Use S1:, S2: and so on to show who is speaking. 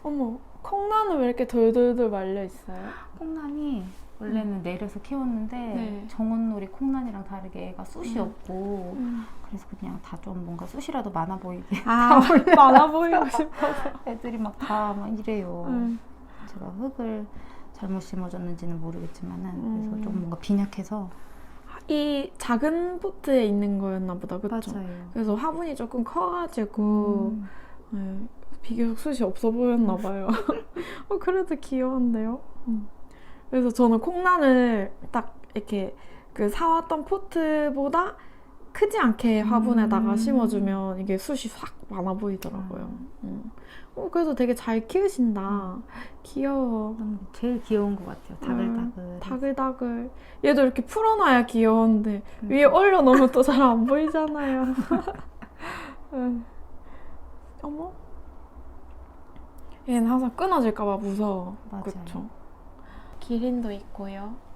S1: 어머, 콩나는 왜 이렇게 돌돌돌 말려 있어요?
S2: 콩란이 원래는 내려서 키웠는데
S1: 네.
S2: 정원놀이 콩란이랑 다르게 애가 숱이 없고 그래서 그냥 다 좀 뭔가 숱이라도 많아 보이게
S1: 아, 많아 보이고 싶어서.
S2: 애들이 막 다 막 이래요. 제가 흙을 잘못 심어줬는지는 모르겠지만은 그래서 좀 뭔가 빈약해서.
S1: 이 작은 포트에 있는 거였나 보다, 그쵸?
S2: 맞아요.
S1: 그래서 화분이 조금 커가지고 네, 비교적 숱이 없어 보였나 봐요. 그래도 귀여운데요? 그래서 저는 콩란을 딱 이렇게 그 사왔던 포트보다 크지 않게 화분에다가 심어주면 이게 숱이 확 많아 보이더라고요. 그래도 되게 잘 키우신다. 귀여워.
S2: 제일 귀여운 것 같아요. 다글다글.
S1: 다글다글. 얘도 이렇게 풀어놔야 귀여운데 위에 올려놓으면 또 잘 안 보이잖아요. 어머? 얘는 항상 끊어질까봐 무서워.
S2: 맞아요.
S1: 그쵸? 기린도 있고요.